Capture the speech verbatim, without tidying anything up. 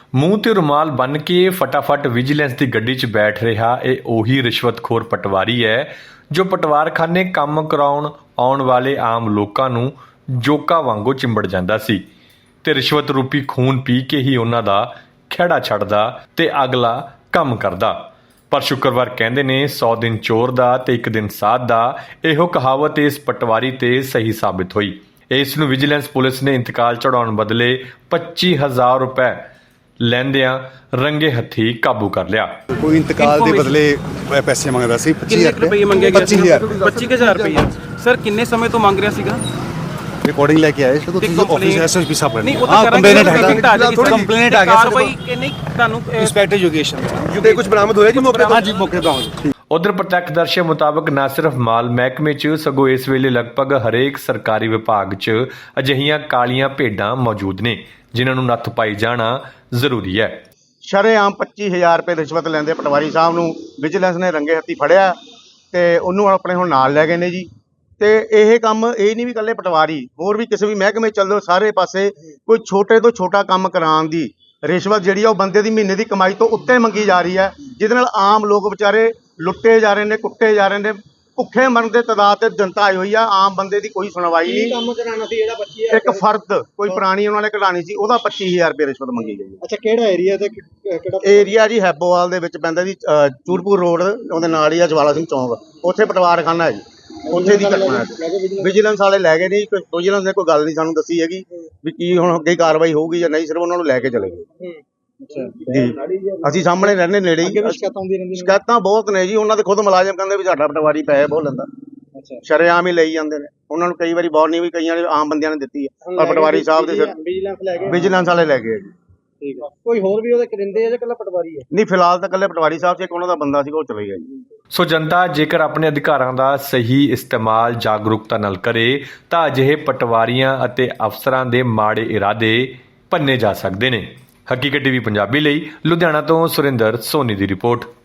ਮੂੰਹ ਤੇ ਰੁਮਾਲ ਬੰਨ ਕੇ ਫਟਾਫਟ ਵਿਜੀਲੈਂਸ ਦੀ ਗੱਡੀ 'ਚ ਬੈਠ ਰਿਹਾ ਇਹ ਉਹੀ ਰਿਸ਼ਵਤਖੋਰ ਪਟਵਾਰੀ ਹੈ ਜੋ ਪਟਵਾਰਖਾਨੇ ਕੰਮ ਕਰਾਉਣ ਆਉਣ ਵਾਲੇ ਆਮ ਲੋਕਾਂ ਨੂੰ ਜੋਕਾਂ ਵਾਂਗੂ ਚਿੰਬੜ ਜਾਂਦਾ ਸੀ ਤੇ ਰਿਸ਼ਵਤ ਰੂਪੀ ਖੂਨ ਪੀ ਕੇ ਹੀ ਉਹਨਾਂ ਦਾ ਖਹਿੜਾ ਛੱਡਦਾ ਤੇ ਅਗਲਾ ਕੰਮ ਕਰਦਾ। ਪਰ ਸ਼ੁੱਕਰਵਾਰ ਕਹਿੰਦੇ ਨੇ ਸੌ ਦਿਨ ਚੋਰ ਦਾ ਤੇ ਇੱਕ ਦਿਨ ਸਾਧ ਦਾ। ਇਹੋ ਕਹਾਵਤ ਇਸ ਪਟਵਾਰੀ ਤੇ ਸਹੀ ਸਾਬਿਤ ਹੋਈ। ਇਸ ਨੂੰ ਵਿਜੀਲੈਂਸ ਪੁਲਿਸ ਨੇ ਇੰਤਕਾਲ ਚੜਾਉਣ ਬਦਲੇ ਪੱਚੀ ਹਜ਼ਾਰ ਰੁਪਏ ਲੈਂਦਿਆਂ ਰੰਗੇ ਹੱਥੀ ਕਾਬੂ ਕਰ ਲਿਆ। ਕੋਈ ਇੰਤਕਾਲ ਦੇ ਬਦਲੇ ਪੈਸੇ ਮੰਗਦਾ ਸੀ। ਕਿੰਨੇ ਰੁਪਏ ਮੰਗੇ ਗਏ? ਪੱਚੀ ਹਜ਼ਾਰ ਪੱਚੀ ਹਜ਼ਾਰ ਰੁਪਏ। ਸਰ ਕਿੰਨੇ ਸਮੇਂ ਤੋਂ ਮੰਗ ਰਿਹਾ ਸੀਗਾ? ਰਿਕਾਰਡਿੰਗ ਲੈ ਕੇ ਆਏ ਸੋ ਤੁਸੀਂ ਆਫਿਸ ਐਸਐਸਪੀ ਸਾਹਿਬ ਨੇ। ਨਹੀਂ ਉਹ ਤਾਂ ਕੰਪਲੇਨਟ ਕਰਾਂਗੇ, ਹੈਗਾ ਕੰਪਲੇਨਟ ਆ ਗਿਆ ਸਰ। ਕਾਰਵਾਈ ਕਿ ਨਹੀਂ ਤੁਹਾਨੂੰ ਇੰਸਪੈਕਟਰ ਯੋਗੇਸ਼ਨ ਤੇ ਕੁਝ ਬਰਾਮਦ ਹੋਇਆ ਜੀ ਮੌਕੇ? ਹਾਂਜੀ ਮੌਕੇ ਤੋਂ। ਉਧਰ ਪ੍ਰਤੱਖਦਰਸ਼ੀ ਮੁਤਾਬਕ ਨਾ ਸਿਰਫ ਮਾਲ ਮਹਿਕਮੇ 'ਚ ਸਗੋਂ ਇਸ ਵੇਲੇ ਲਗਭਗ ਹਰੇਕ ਸਰਕਾਰੀ ਵਿਭਾਗ 'ਚ ਅਜਿਹੀਆਂ ਕਾਲੀਆਂ ਭੇਡਾਂ ਮੌਜੂਦ ਨੇ ਜਿਨ੍ਹਾਂ ਨੂੰ ਨੱਥ ਪਾਈ ਜਾਣਾ ਜ਼ਰੂਰੀ ਹੈ। ਸ਼ਰੇਆਮ ਪੱਚੀ ਹਜ਼ਾਰ ਰੁਪਏ ਰਿਸ਼ਵਤ ਲੈਂਦੇ ਪਟਵਾਰੀ ਸਾਹਿਬ ਨੂੰ ਵਿਜੀਲੈਂਸ ਨੇ ਰੰਗੇ ਹੱਥੀ ਫੜਿਆ ਤੇ ਉਹਨੂੰ ਆਪਣੇ ਹੁਣ ਨਾਲ ਲੈ ਗਏ ਨੇ ਜੀ। ਤੇ ਇਹ ਕੰਮ ਇਹ ਨਹੀਂ ਵੀ ਇਕੱਲੇ ਪਟਵਾਰੀ, ਹੋਰ ਵੀ ਕਿਸੇ ਵੀ ਮਹਿਕਮੇ ਚੱਲ ਜਾਓ, ਸਾਰੇ ਪਾਸੇ ਕੋਈ ਛੋਟੇ ਤੋਂ ਛੋਟਾ ਕੰਮ ਕਰਾਉਣ ਦੀ ਰਿਸ਼ਵਤ ਜਿਹੜੀ ਆ ਉਹ ਬੰਦੇ ਦੀ ਮਹੀਨੇ ਦੀ ਕਮਾਈ ਤੋਂ ਉੱਤੇ ਮੰਗੀ ਜਾ ਰਹੀ ਹੈ, ਜਿਹਦੇ ਨਾਲ ਆਮ ਲੋਕ ਵਿਚਾਰੇ ਲੁੱਟੇ ਜਾ ਰਹੇ ਨੇ, ਕੁੱਟੇ ਜਾ ਰਹੇ ਨੇ, ਭੁੱਖੇ ਮਰਨ ਦੇ ਤਾਦਾਦ ਤੇ ਜਨਤਾ ਆਈ ਹੋਈ ਆ। ਆਮ ਬੰਦੇ ਦੀ ਕੋਈ ਸੁਣਵਾਈ ਨਹੀਂ। ਕੰਮ ਕਰਾਉਣਾ ਸੀ ਜਿਹੜਾ ਪੱਚੀ ਹਜ਼ਾਰ ਇੱਕ ਫਰਦ ਕੋਈ ਪੁਰਾਣੀ ਉਹਨਾਂ ਨੇ ਕਢਾਣੀ ਸੀ, ਉਹਦਾ ਪੱਚੀ ਹਜ਼ਾਰ ਰੁਪਏ ਰਿਸ਼ਵਤ ਮੰਗੀ ਗਈ ਹੈ। ਅੱਛਾ, ਕਿਹੜਾ ਏਰੀਆ ਤੇ ਕਿਹੜਾ ਏਰੀਆ ਜੀ ਹੈਬੋਵਾਲ ਦੇ ਵਿੱਚ ਪੈਂਦਾ ਜੀ, ਚੂਰਪੁਰ ਰੋਡ ਉਹਦੇ ਨਾਲ ਹੀ ਆ ਜਵਾਲਾ ਸਿੰਘ ਚੌਂਕ, ਉੱਥੇ ਪਟਵਾਰਖਾਨਾ ਹੈ ਜੀ। ਉੱਥੇ ਦੀ ਘਟਨਾ ਹੈ। ਵਿਜੀਲੈਂਸ ਵਾਲੇ ਲੈ ਗਏ ਨਹੀਂ, ਵਿਜੀਲੈਂਸ ਨੇ ਕੋਈ ਗੱਲ ਨਹੀਂ ਸਾਨੂੰ ਦੱਸੀ ਹੈਗੀ ਵੀ ਕੀ ਹੁਣ ਅੱਗੇ ਕਾਰਵਾਈ ਹੋਊਗੀ ਜਾਂ ਨਹੀਂ, ਸਿਰਫ ਉਹਨਾਂ ਨੂੰ ਲੈ ਕੇ ਚਲੇ ਗਏ ਜੀ। ਅਸੀਂ ਸਾਹਮਣੇ ਰਹਿੰਦੇ ਨੇੜੇ ਹੀ। ਸ਼ਿਕਾਇਤਾਂ ਬਹੁਤ ਨੇ ਜੀ, ਉਹਨਾਂ ਦੇ ਖੁਦ ਮੁਲਾਜ਼ਮ ਕਹਿੰਦੇ ਵੀ ਸਾਡਾ ਪਟਵਾਰੀ ਪੈਸੇ ਬਹੁਤ ਲੈਂਦਾ। ਸ਼ਰੇਆਮ ਹੀ ਲਈ ਜਾਂਦੇ ਨੇ। ਉਹਨਾਂ ਨੂੰ ਕਈ ਵਾਰੀ ਵਾਰਨਿੰਗ ਵੀ ਕਈਆਂ ਆਮ ਬੰਦਿਆਂ ਨੇ ਦਿੱਤੀ ਹੈ, ਪਰ ਪਟਵਾਰੀ ਸਾਹਿਬ ਦੇ ਸਿਰ ਵਿਜੀਲੈਂਸ ਵਾਲੇ ਲੈ ਗਏ ਜੀ। ਠੀਕ ਆ। ਕੋਈ ਹੋਰ ਵੀ ਉਹਦੇ ਕਰਿੰਦੇ ਆ ਜਾਂ ਇਕੱਲਾ ਪਟਵਾਰੀ ਹੈ? ਨਹੀਂ, ਫਿਲਹਾਲ ਤਾਂ ਇਕੱਲੇ ਪਟਵਾਰੀ ਸਾਹਿਬ ਸੀ, ਇੱਕ ਉਹਨਾਂ ਦਾ ਬੰਦਾ ਸੀ ਉਹ ਚਲੇ ਗਿਆ ਜੀ। ਸੋ ਜਨਤਾ ਜੇਕਰ ਆਪਣੇ ਅਧਿਕਾਰਾਂ ਦਾ ਸਹੀ ਇਸਤੇਮਾਲ ਜਾਗਰੂਕਤਾ ਨਾਲ ਕਰੇ ਤਾਂ ਅਜਿਹੇ ਪਟਵਾਰੀਆਂ ਅਤੇ ਅਫਸਰਾਂ ਦੇ ਮਾੜੇ ਇਰਾਦੇ ਭੰਨੇ ਜਾ ਸਕਦੇ ਨੇ। ਹਕੀਕਤ ਟੀਵੀ ਪੰਜਾਬੀ ਲਈ ਲੁਧਿਆਣਾ ਤੋਂ ਸੁਰਿੰਦਰ ਸੋਨੀ ਦੀ ਰਿਪੋਰਟ।